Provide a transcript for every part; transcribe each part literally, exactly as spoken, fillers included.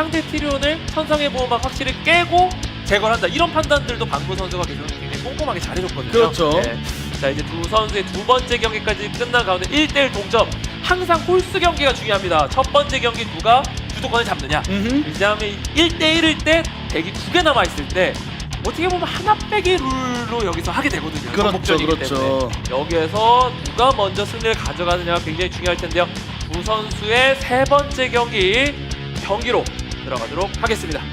상대 티리온을 천상의 보호막 확실히 깨고 제거를 한다. 이런 판단들도 방구 선수가 굉장히 꼼꼼하게 잘해줬거든요. 그렇죠. 네. 자 이제 두 선수의 두 번째 경기까지 끝난 가운데 일 대 일 동점. 항상 홀수 경기가 중요합니다. 첫 번째 경기 누가 주도권을 잡느냐. 음흠. 이제 일 대 일일 때 대기 두 개 남아있을 때 어떻게 보면 하나 빼기 룰로 여기서 하게 되거든요. 그렇죠, 전복전이기 그렇죠. 때문에. 여기에서 누가 먼저 승리를 가져가느냐가 굉장히 중요할 텐데요. 두 선수의 세 번째 경기 경기로 들어가도록 하겠습니다.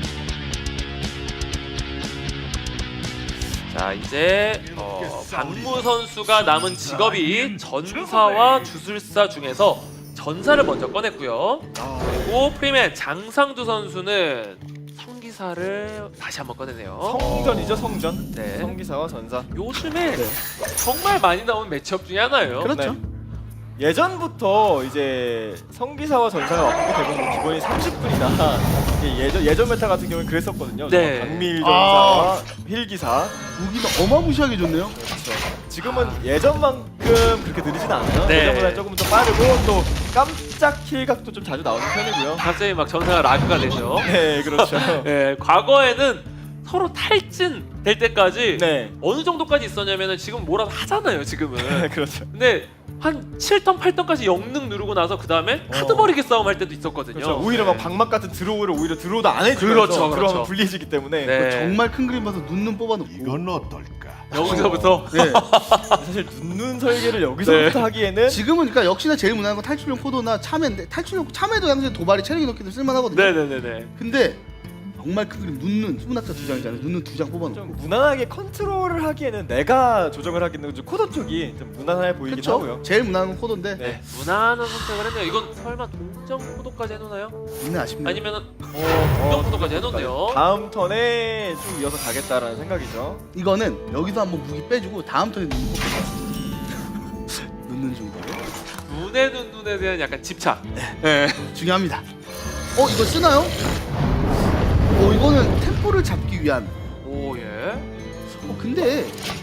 자 이제 어, 박무 선수가 남은 직업이 전사와 주술사 중에서 전사를 먼저 꺼냈고요. 그리고 프리맨 장상두 선수는 성기사를 다시 한번 꺼내네요. 성전이죠, 성전. 네. 성기사와 전사. 요즘에 네. 정말 많이 나오는 매치업 중에 하나예요. 그렇죠. 네. 예전부터 이제 성기사와 전사가 왔고 대부분 기본이 삼십 분이나 예전 예전 메타 같은 경우는 그랬었거든요. 네. 강밀 전사와 힐기사. 무기가 어마무시하게 좋네요. 그렇죠. 지금은 예전만큼 그렇게 느리진 않아요. 네. 예전보다 조금 더 빠르고 또 깜짝 힐각도 좀 자주 나오는 편이고요. 갑자기 막 전사가 라그가 되죠. 네, 그렇죠. 네, 과거에는 서로 탈진 될 때까지 네, 어느 정도까지 있었냐면은 지금 뭐라도 하잖아요, 지금은. 그렇죠. 근데 한 칠 턴, 팔 턴까지 영능 누르고 나서 그 다음에 카드 어. 버리기 싸움 할 때도 있었거든요. 그렇죠. 오히려 막 네. 방막 같은 드로우를 오히려 드로우도 안 해주면서 그렇죠, 그러면 그렇죠. 불리해지기 때문에 네. 정말 큰 그림 봐서 눈눈 뽑아놓고. 이건 어떨까? 여기서부터 네. 사실 눈눈 설계를 여기서부터 네. 하기에는 지금은 그러니까 역시나 제일 무난한 건 탈출용 코도나 참외인데 탈출용 참외도 당시 도발이 체력이 높기 때문에 쓸만하거든요. 네네네네. 근데 정말 큰 그림 눈눈 수문학자 두 장이잖아요. 눈눈 두 장 뽑아놓고. 좀 무난하게 컨트롤을 하기에는 내가 조정을 하기는 좀 코더 쪽이 좀 무난해 보이긴 그렇죠. 하고요. 제일 무난한 건 코도인데 네. 무난한 선택을 했네요. 이건 설마 동정 포도까지 해놓나요? 이는 아쉽네요. 아니면은 어, 동정 포도까지 해놓네요. 다음 턴에 쭉 이어서 가겠다라는 생각이죠. 이거는 여기서 한번 무기 빼주고 다음 턴에 눈눈 뽑겠다. 눈눈 중거로 눈에 눈 눈에 대한 약간 집착. 네. 중요합니다. 어 이거 쓰나요? 어 이거는 템포를 잡기 위한. 오 예. 어 근데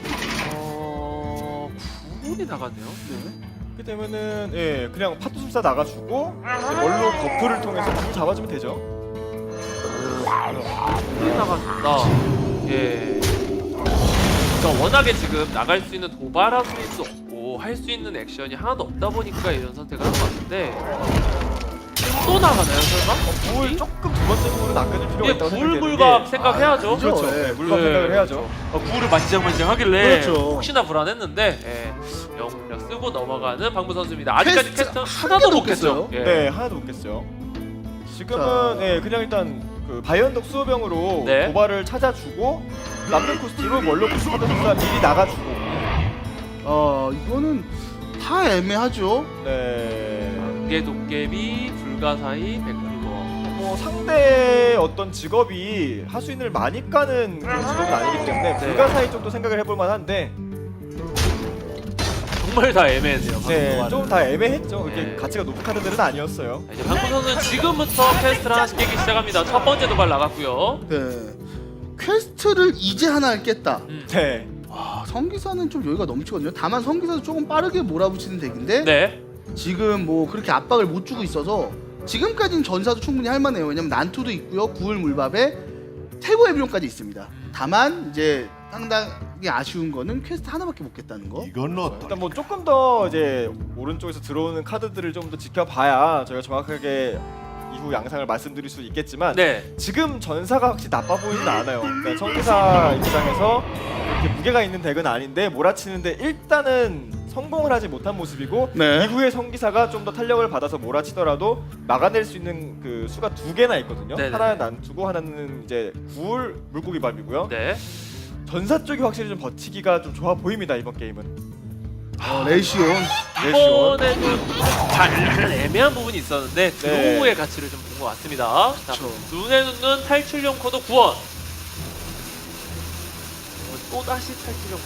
어 구분이 나갔네요. 네. 그렇게 되면은 예 그냥 파투술사 나가주고 이제 원로 버프를 통해서 불 잡아주면 되죠. 구분이 나갔다. 예. 그러니까 워낙에 지금 나갈 수 있는 도발할 수도 없고 할 수 있는 액션이 하나도 없다 보니까 이런 선택을 한 것 같은데. 또 나가나요 설마? 불 조금 두 번째 부분은 낚아줄 필요가 예, 있다고 불 생각되는 물각 게 생각해야죠. 아, 그렇죠. 예. 네, 물각 예. 생각을 해야죠. 어, 구를 만지작만지작 하길래 그렇죠. 혹시나 불안했는데 예, 영웅력 쓰고 넘어가는 방무 선수입니다. 아직까지 퀘스트 퀘스트 한 하나도 개도 못 깼어요. 예. 네 하나도 못 깼어요. 지금은 자. 예 그냥 일단 그 바이언덕 수호병으로 네. 도발을 찾아주고 남는 코스티로 원로 파투술사 미리 나가주고 어 이거는 다 애매하죠. 네. 안개 도깨비 불가사의 백불거. 뭐 상대 어떤 직업이 하수인을 많이 까는 그런 직업은 아니기 때문에 네. 불가사의 쪽도 생각을 해볼 만한데 정말 다 애매했네요. 네, 좀 다 애매했죠. 그렇게 네. 가치가 높은 카드들은 아니었어요. 자, 이제 방구 선수는 지금부터 퀘스트를 하나씩 깨기 시작합니다. 첫 번째 도발 나갔고요. 네. 퀘스트를 이제 하나 깼다. 음. 네. 와 성기사는 좀 여유가 넘치거든요. 다만 성기사도 조금 빠르게 몰아붙이는 덱인데 네. 지금 뭐 그렇게 압박을 못 주고 있어서 지금까지는 전사도 충분히 할만해요. 왜냐면 난투도 있고요. 구울 물밥에 태고 에비론까지 있습니다. 다만 이제 상당히 아쉬운 거는 퀘스트 하나밖에 못 깼다는 거. 이건 어떨까? 일단 뭐 조금 더 이제 오른쪽에서 들어오는 카드들을 좀 더 지켜봐야 저희가 정확하게 이후 양상을 말씀드릴 수 있겠지만 네. 지금 전사가 확실히 나빠 보이진 않아요. 그러니까 성기사 입장에서 이렇게 무게가 있는 덱은 아닌데 몰아치는데 일단은 성공을 하지 못한 모습이고 네. 이후에 성기사가 좀 더 탄력을 받아서 몰아치더라도 막아낼 수 있는 그 수가 두 개나 있거든요. 네네. 하나는 난투고 하나는 이제 구울 물고기 밥이고요. 네. 전사 쪽이 확실히 좀 버티기가 좀 좋아 보입니다 이번 게임은. 어, 레이시온. 레시온. 이번에는 잘 애매한 부분이 있었는데 네. 드로우의 가치를 좀 본 것 같습니다. 자, 그쵸. 눈에 눈는 탈출용 코드 구원. 어, 또 다시 탈출용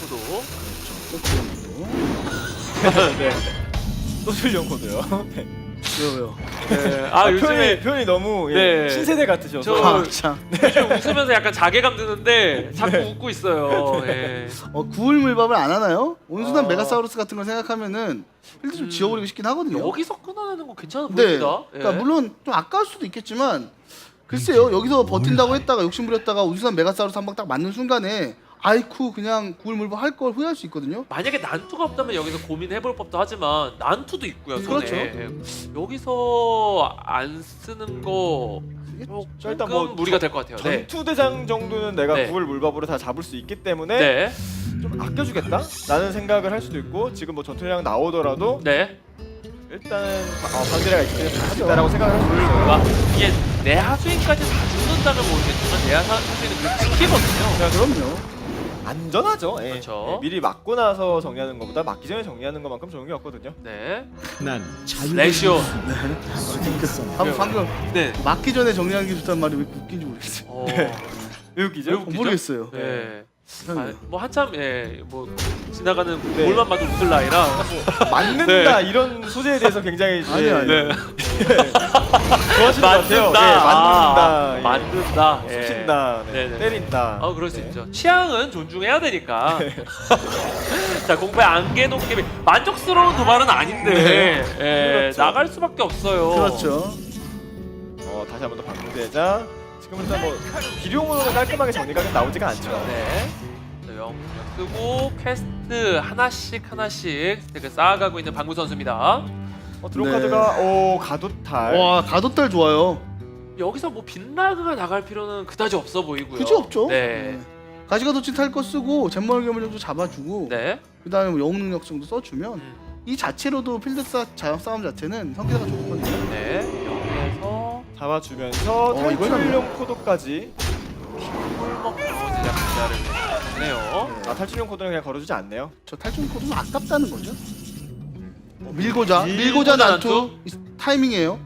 코드. 네. 또 출령 코드요. 네. 왜요 왜요? 네. 아 요즘에 표현이, 표현이 너무 예, 네. 신세대 같으셔서. 저- 아, 참. 요즘 웃으면서 약간 자괴감 드는데 자꾸 웃고 있어요. 예. 어, 구울 물밥을 안 하나요? 온순한 어. 메가사우루스 같은 걸 생각하면은 필드 좀 음. 지워버리고 싶긴 하거든요. 여기서 끊어내는 거 괜찮아 네. 보입니다. 그러니까 예. 물론 좀 아까울 수도 있겠지만 글쎄요, 여기서 버틴다고 했다가 욕심부렸다가 우주산 메가사우루스 한 방 딱 맞는 순간에 아이쿠 그냥 구울물보 할 걸 후회할 수 있거든요. 만약에 난투가 없다면 여기서 고민해볼 법도 하지만 난투도 있고요 손에. 그렇죠. 예. 여기서 안 쓰는 거 조금 자, 일단 뭐 무리가 될 것 같아요. 네. 전투 대장 정도는 내가 네. 구울 물밥으로 다 잡을 수 있기 때문에 네. 좀 아껴주겠다? 라는 생각을 할 수도 있고 지금 뭐 전투 대장 나오더라도 네. 일단은 어, 방대가 있기 때문에 할 수 있다라고 생각을 할 수도 있어요. 와, 이게 내 하수인까지 다 죽는다면 모르겠지만 내 하수인은 그 지키거든요. 자, 그럼요. 안전하죠. 예. 그렇죠. 예, 미리 맞고 나서 정리하는 것보다 맞기 전에 정리하는 것만큼 좋은 게 없거든요. 네. 난 자유. 레시오. 방금, 방금 네. 맞기 전에 정리하는 게 좋다는 말이 왜 웃긴지 모르겠어요. 어. 왜 웃기죠? 왜 어, 웃기죠? 모르겠어요. 네. 이상해요. 아, 뭐 한참 예, 뭐 지나가는 네. 볼만 봐도 웃을 나이라. 맞는다 네. 이런 소재에 대해서 굉장히 이제 아니, 아니. 네. 좋아하시는 것 같아요. 맞는다. 예, 맞는다. 아, 예. 맞는다. 예. 쑤신다. 네. 네네. 때린다. 아, 그럴 수 네. 있죠. 취향은 존중해야 되니까. 자, 공부에 안개 도깨비 만족스러운 도발은 아닌데 예, 그렇죠. 나갈 수밖에 없어요. 그렇죠. 어, 다시 한 번 더 방대자. 지금은 일단 뭐 비룡으로는 깔끔하게 정리가 나오지가 않죠. 네. 자, 영 쓰고 퀘스트 하나씩 하나씩 스택을 쌓아가고 있는 방구 선수입니다. 어, 드론 네. 카드가 오 가도탈. 와, 가도딸 좋아요. 여기서 뭐 빈라그가 나갈 필요는 그다지 없어 보이고요. 굳이 없죠. 네. 가시가도치 탈 거 쓰고 잼멀겸을 정도 잡아주고 네. 그 다음에 뭐 영웅 능력 정도 써주면 음. 이 자체로도 필드 싸, 자- 싸움 자체는 성기사가 좋거든요. 네. 여기에서 잡아주면서 어, 이걸 탈출용 코드까지. 꿀먹 제작 기자를 내네요. 아 탈출용 코드는 그냥 걸어주지 않네요. 저 탈출 코드는 아깝다는 거죠. 어, 밀고자, 밀고자 밀고자 난투 난투. 이 타이밍이에요.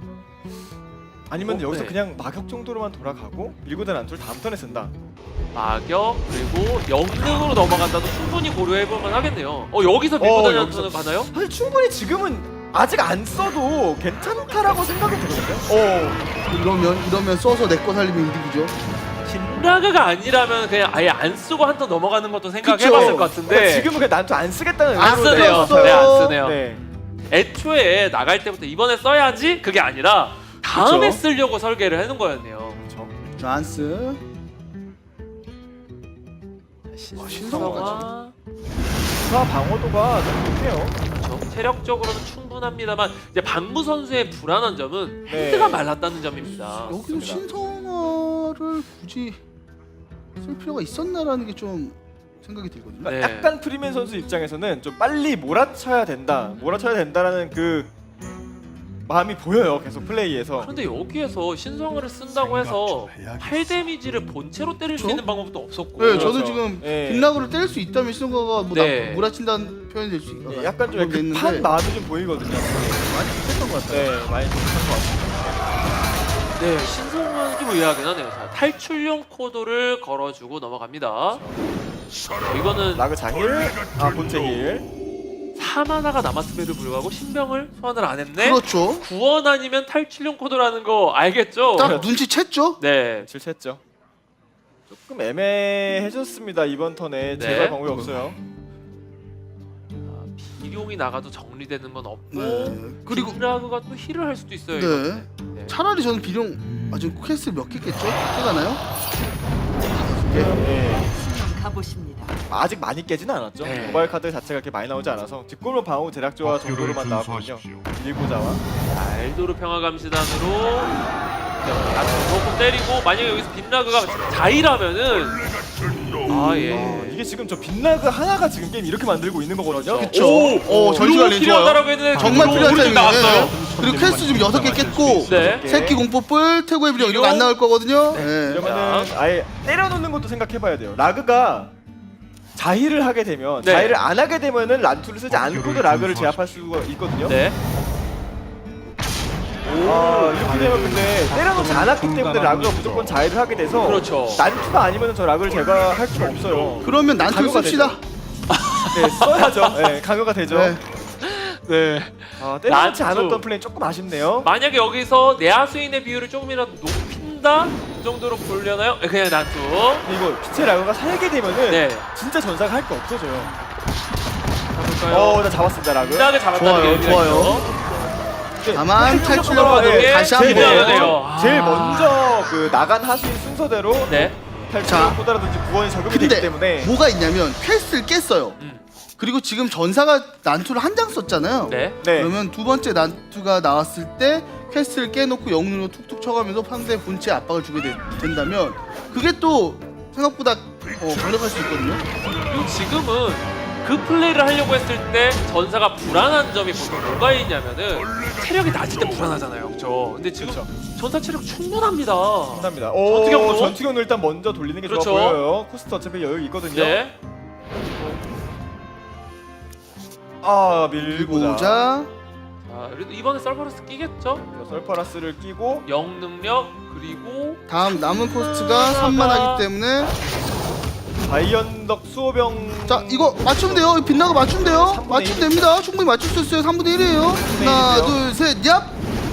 아니면 어, 여기서 네. 그냥 마격 정도로만 돌아가고 밀고된 안툴 다음 턴에 쓴다. 마격 그리고 영능으로 넘어간다도 충분히 고려해볼만 하겠네요. 어 여기서 밀고다니 어, 한투는 가나요? 사실 충분히 지금은 아직 안 써도 괜찮다라고 생각이 들거든요. 어. 이러면 이러면 써서 내 거 살리면 이득이죠. 빈라그가 아니라면 그냥 아예 안 쓰고 한 턴 넘어가는 것도 생각해봤을 그쵸. 것 같은데 그러니까 지금은 그냥 난투 안 쓰겠다는 안 의도로 쓰네요. 썼어요. 네, 안 쓰네요. 네. 애초에 나갈 때부터 이번에 써야지 그게 아니라 다음에 그쵸. 쓰려고 설계를 해놓은 거였네요. 그렇죠. 잔스. 신성화 신성화까지. 사 방어도가 너무 좋네요. 그렇죠. 체력적으로는 충분합니다만 이제 방구 선수의 불안한 점은 네. 헤드가 말랐다는 점입니다. 여기서 신성화를 굳이 쓸 필요가 있었나라는 게 좀 생각이 들거든요. 네. 약간 프리맨 선수 입장에서는 좀 빨리 몰아쳐야 된다, 몰아쳐야 된다라는 그 마음이 보여요. 계속 플레이에서. 그런데 여기에서 신성화를 쓴다고 해서 팔 데미지를 본체로 때릴 수 그렇죠? 있는 방법도 없었고 네, 그렇죠. 저는 지금 네. 빈라그를 때릴 수 있다면 신성화가 뭐 네. 나, 몰아친다는 표현이 될 수 있 예, 약간 좀 급한 마음이 좀 보이거든요. 많이 비슷했던 것 같아요. 네, 많이 급한 것 같습니다. 네, 신성화는 좀 의아하긴 하네요. 자, 탈출용 코드를 걸어주고 넘어갑니다. 어, 이거는 라그 장일, 아 본체 힐. 삼 하나가 남았음에도 불구하고 신병을 소환을 안 했네? 그렇죠. 구원 아니면 탈출용 코드라는 거 알겠죠? 딱 눈치챘죠? 네. 질쳤죠. 조금 애매해졌습니다 이번 턴에. 네. 제발 방법이 없어요. 아, 비룡이 나가도 정리되는 건 없고 네. 그리고 빈라그가 또 힐을 할 수도 있어요. 네. 이거는. 네. 차라리 저는 비룡 아 지금 퀘스트 몇 개 깼죠? 꽤 가나요? 예. 예. 가보십니다. 아직 많이 깨지는 않았죠. 네. 모바일 카드 자체가 그렇게 많이 나오지 않아서 뒷골로 방어 대략 조화 정도로만 나왔거든요. 밀고자와. 자, 엘도르 평화감시단으로 아주 조금 때리고 만약에 여기서 빈라그가 자이라면은 아 예. 어, 이게 지금 저 빈라그 하나가 지금 게임 이렇게 만들고 있는 거거든요. 그쵸. 오, 오, 전시관 렌 필요하다라고 좋아요. 했는데 정말 그거 필요한 오른쪽 타이밍이에요. 나왔어요. 그리고 퀘스트 지금 여섯 개 깼고 네. 새끼 공포뿔, 태고의 비룡 이런 거 안 나올 거거든요. 네. 이러면은 아예 때려놓는 것도 생각해봐야 돼요. 라그가 자힐을 하게 되면 네. 자힐을 안 하게 되면은 란투를 쓰지 않고도 라그를 제압할 수가 있거든요. 네. 아 이렇게 되면 근데 때려놓지 않았기 때문에 라그가 무조건 자힐을 하게 돼서 그렇죠. 난투가 아니면 저 라그를 제가 할 수가 없어요. 그러면 난투 강요가 씁시다. 되죠. 네 써야죠. 네 강요가 되죠. 네. 네. 아, 때려놓지 난투. 않았던 플레이 조금 아쉽네요. 만약에 여기서 내하수인의 비율을 조금이라도 높인다 그 정도로 보려나요? 네, 그냥 난투. 이거 빛의 라그가 살게 되면은 네. 진짜 전사가 할 게 없어져요. 가볼까요? 어, 나 잡았습니다 라그. 빈라그 잡았다는 좋아요, 게 의미가 좋아요. 있죠. 이게 다만 획기적으로 탈출력으로 예, 다시 제일 한번. 먼저, 돼요. 제일 아. 먼저 그 나간 하수인 순서대로 네. 탈출력보다라든지 구원이 적용이 되기 근데 때문에 뭐가 있냐면 퀘스트를 깼어요. 음. 그리고 지금 전사가 난투를 한 장 썼잖아요. 네. 네. 그러면 두 번째 난투가 나왔을 때 퀘스트를 깨놓고 영능으로 툭툭 쳐가면서 상대 본체에 압박을 주게 되- 된다면 그게 또 생각보다 어, 강력할 수 있거든요. 그리고 지금은 그 플레이를 하려고 했을 때 전사가 불안한 점이 보통 뭐가 있냐면은 체력이 낮을 때 불안하잖아요, 그렇죠? 근데 지금 그렇죠. 전사 체력 충분합니다. 감사합니다. 오, 전투경로? 전투경로 일단 먼저 돌리는 게 그렇죠. 좋아 보여요. 코스트 어차피 여유 있거든요. 네. 아 밀고자. 보자. 자, 그래도 이번에 썰퍼러스 끼겠죠? 설파라스를 끼고 영능력 그리고 다음 남은 코스트가 삼만 하기 때문에 바이언덕 수호병. 자 이거 맞추면 돼요. 이거 빗나가 맞추면 돼요. 삼분의 맞추면 일. 됩니다. 충분히 맞출 수 있어요. 삼분의 일이에요. 하나 일이요. 둘셋 얍.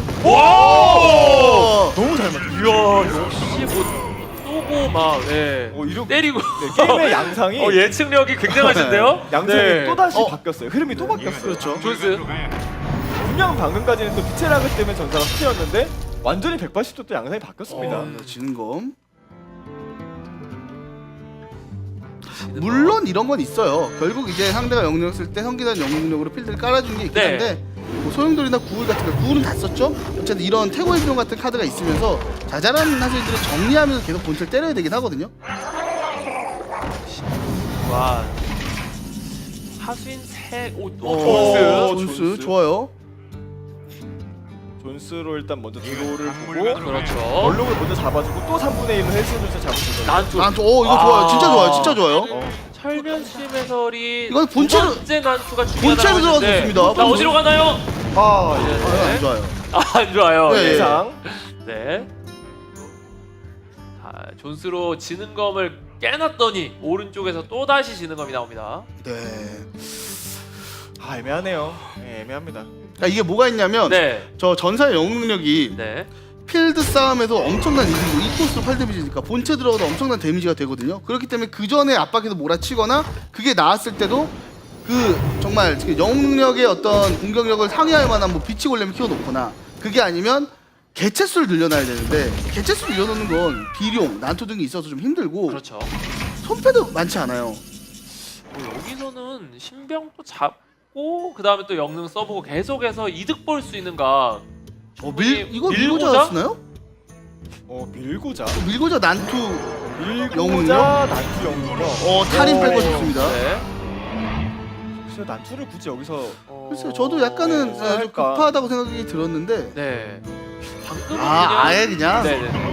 와! 너무 잘 맞죠. 이야, 역시 뭐 쏘고 막 예. 오, 이렇게 때리고 네, 게임의 양상이 어, 예측력이 굉장하신데요? 양상이 네. 또 다시 어. 바뀌었어요. 흐름이 또 바뀌었어요. 그렇죠. 존스. 분명 방금까지는 또 빛의 라그 때문에 전사가 수치였는데 완전히 백팔십 도 또 양상이 바뀌었습니다. 어. 네, 지는 검. 물론 이런 건 있어요. 결국 이제 상대가 영능력 쓸 때 성기단 영능력으로 필드를 깔아준 게 있긴 네. 한데 뭐 소용돌이나 구울 같은 거 구울은 다 썼죠. 어쨌든 이런 태고의 비용 같은 카드가 있으면서 자잘한 하수인들을 정리하면서 계속 본체를 때려야 되긴 하거든요. 와. 하수인 세, 오, 오, 어, 존스. 존스, 존스. 좋아요. 존스로 일단 먼저 드로우를 보고 그렇죠. 얼룩을 먼저 잡아주고 또 삼분의 일로 헬스존스 잡으시거든요. 난투. 난투, 오 이거 아. 좋아요. 진짜 좋아요. 진짜 좋아요. 어. 철면심 해설이 이건 본체로- 두 번째 난투가 본체로 중요하다고 했는데 들어갔습니다. 나 본체. 어디로 가나요? 아, 예. 아, 안 좋아요. 아, 안 좋아요. 네, 네. 예상. 네. 자, 존스로 지는 검을 깨놨더니 오른쪽에서 또 다시 지는 검이 나옵니다. 네. 아, 애매하네요. 예, 애매합니다. 그러니까 이게 뭐가 있냐면 네. 저 전사의 영능력이 네. 필드 싸움에서 엄청난 이득이고 이 코스로 팔 데미지니까 본체 들어가도 엄청난 데미지가 되거든요. 그렇기 때문에 그 전에 압박해서 몰아치거나 그게 나왔을 때도 그 정말 그 영웅 능력의 어떤 공격력을 상회할 만한 뭐 빛이 골렘을 키워놓거나 그게 아니면 개체수를 늘려놔야 되는데 개체수를 늘려놓는 건 비룡, 난투 등이 있어서 좀 힘들고 그렇죠. 손패도 많지 않아요. 뭐 여기서는 신병도 잡고 그 다음에 또 영능 써보고 계속해서 이득 볼 수 있는가? 어, 밀 이거 밀고자 밀고자? 쓰나요? 어, 밀고자. 밀고자 난투 밀고자 난투 영웅이요. 어 탈인 오. 빼고 싶습니다. 네. 글쎄요, 난투를 굳이 여기서 글쎄요, 저도 약간은 어, 아, 좀 할까? 급하다고 생각이 들었는데 네. 방금은 아 그냥 아예 그냥 네네.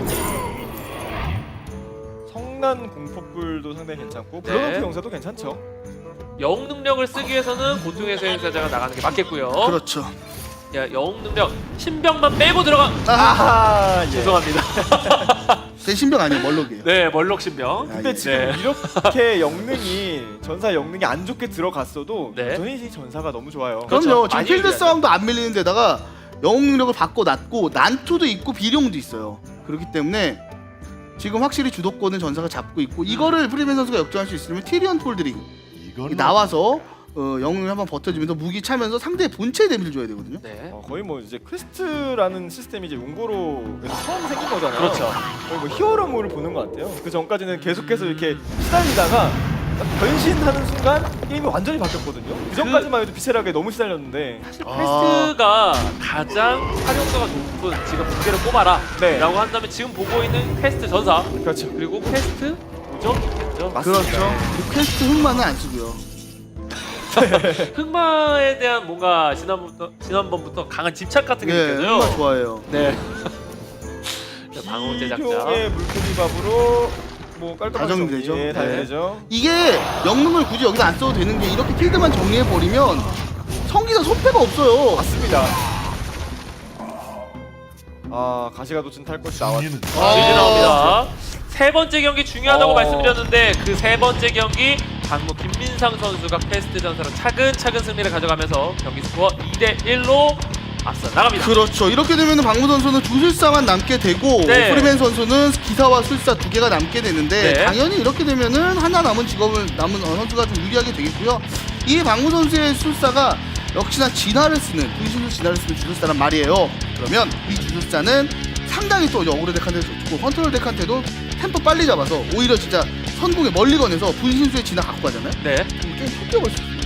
성난 공포불도 상당히 괜찮고 네. 브로노프 용사도 괜찮죠. 영웅 능력을 쓰기 위해서는 보통의 수행사자가 나가는 게 맞겠고요. 그렇죠. 야, 영웅 능력 신병만 빼고 들어가. 아 아하, 예. 죄송합니다. 제 신병 아니에요 멀록이에요. 네, 멀록 신병. 근데 아, 예. 지금 네. 이렇게 영능이 전사 영능이 안 좋게 들어갔어도 네. 여전히 이 전사가 너무 좋아요. 그럼요. 그렇죠. 지금 많이 필드 유리하죠. 싸움도 안 밀리는 데다가 영웅 능력을 바꿔놨고 난투도 있고 비룡도 있어요. 그렇기 때문에 지금 확실히 주도권은 전사가 잡고 있고 이거를 프리맨 선수가 역전할 수 있으면 티리언 폴드링 나와서 어, 영웅을 한번 버텨주면서 무기 차면서 상대의 본체에 데미를 줘야 되거든요. 네. 어, 거의 뭐 이제 퀘스트라는 시스템이 이제 웅고로에서 처음 생긴 거잖아요. 그렇죠. 거의 뭐 히어로물을 보는 것 같아요. 그 전까지는 계속해서 이렇게 시달리다가 딱 변신하는 순간 게임이 완전히 바뀌었거든요. 그 전까지만 해도 비체라게 너무 시달렸는데 사실 아. 퀘스트가 가장 활용도가 높은 지금 무게를 꼽아라 네. 라고 한다면 지금 보고 있는 퀘스트 전사 그렇죠. 그리고 퀘스트 오점이겠죠. 맞습니다. 그렇죠. 그리고 퀘스트 흑마는 안 쓰고요. 흑마에 대한 뭔가 지난번부터 지난번부터 강한 집착 같은 게 예, 느껴져요. 흑마 좋아해요. 네. 방어 제작자. 비룡의 물고기밥으로 뭐 깔끔하게 다 정리, 정리되죠. 예, 다 네. 되죠. 이게 영능을 굳이 여기서 안 써도 되는 게 이렇게 필드만 정리해 버리면 성기사 손패가 없어요. 맞습니다. 아 가시가도진 탈 것이 나왔습니다. 아, 이제 나옵니다. 세 번째 경기 중요하다고 어. 말씀드렸는데 그 세 번째 경기 강무 김민상 선수가 퀘스트 전사로 차근차근 승리를 가져가면서 경기 스코어 이 대 일로 앞서 나갑니다. 그렇죠. 이렇게 되면 박무 선수는 주술사만 남게 되고 네. 프리맨 선수는 기사와 술사 두 개가 남게 되는데 네. 당연히 이렇게 되면은 하나 남은 직업을 남은 어, 선수가 좀 유리하게 되겠고요. 이 박무 선수의 술사가 역시나 진화를 쓰는 분신술 진화를 쓰는 주술사란 말이에요. 그러면 이 주술사는 상당히 또 어그로 덱한테도 좋고 컨트롤 덱한테도 템포 빨리 잡아서 오히려 진짜 선공에 멀리 건해서 분신술의 진화 갖고 가잖아요. 네. 그럼 게임 속 뛰어볼 수 있어요.